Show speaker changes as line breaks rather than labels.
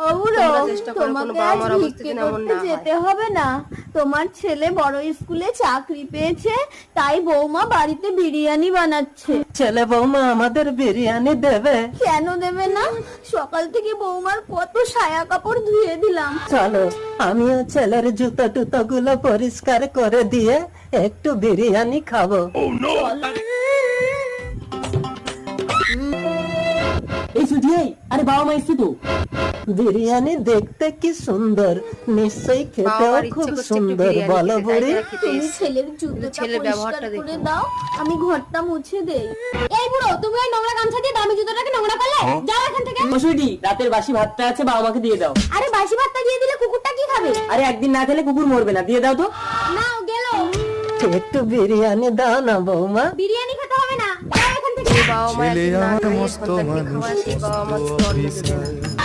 বউরো,
তোমরা চেষ্টা করো কোনো
তোমাকে
বাবা
আজ
মার অবস্থা
ভিক্ষে
যেন এমন
করতে
না হয়।
যেতে হবে না। তোমার ছেলে বড় স্কুলে চাকরি পেয়েছে, তাই বৌমা বাড়িতে বিরিয়ানি বানাচ্ছে।
ছেলে বৌমা আমাদের বিরিয়ানি দেবে?
কেন দেবে না? সকাল থেকে বৌমার কত সায়া কাপড় ধুয়ে দিলাম।
চলো, আমিও ছেলের জুতো টুতো গুলো পরিষ্কার করে দিয়ে একটু বিরিয়ানি খাবো।
এই ছুটি, আরে বাবা মা এসছে তো।
বিরিয়ানি দেখতে কি সুন্দর, নিশ্চয়ই খেতেও
বাবার ইচ্ছে
খুব
করছে একটু
সুন্দর,
বিরিয়ানি
বলো
খেতে, তাই
বুড়ি?
তারা খেতে
তুমি
এসেছে।
ছেলের জুতোটা
ছেলের
পরিষ্কার
ব্যবহারটা
করে
দেখো।
দাও, আমি ঘরটা মুছে দেই। এই বুড়ো, তুমি ওই নোংরা গামছা দিয়ে দামি জুতোটাকে নোংরা করলে? যাও এখান থেকে।
মশুরি, রাতের বাসি ভাতটা আছে, বাবা মাকে দিয়ে দাও।
আরে বাসি ভাতটা দিয়ে দিলে কুকুরটা কি খাবে?
আরে একদিন না খেলে কুকুর মরবে না, দিয়ে দাও তো।
নাও গেল।
একটু বিরিয়ানি দাও না বৌমা।
বিরিয়ানি খেতে হবে না, যাও এখান থেকে।
বাবা মা
ছেলে
একদিন না
আমার
খাইয়ে
মস্ত
সন্তানকে
মানুষ,
খাওয়ায়, সেই বাবা মা
মস্ত
অন্ন দেবে না।
অফিসার।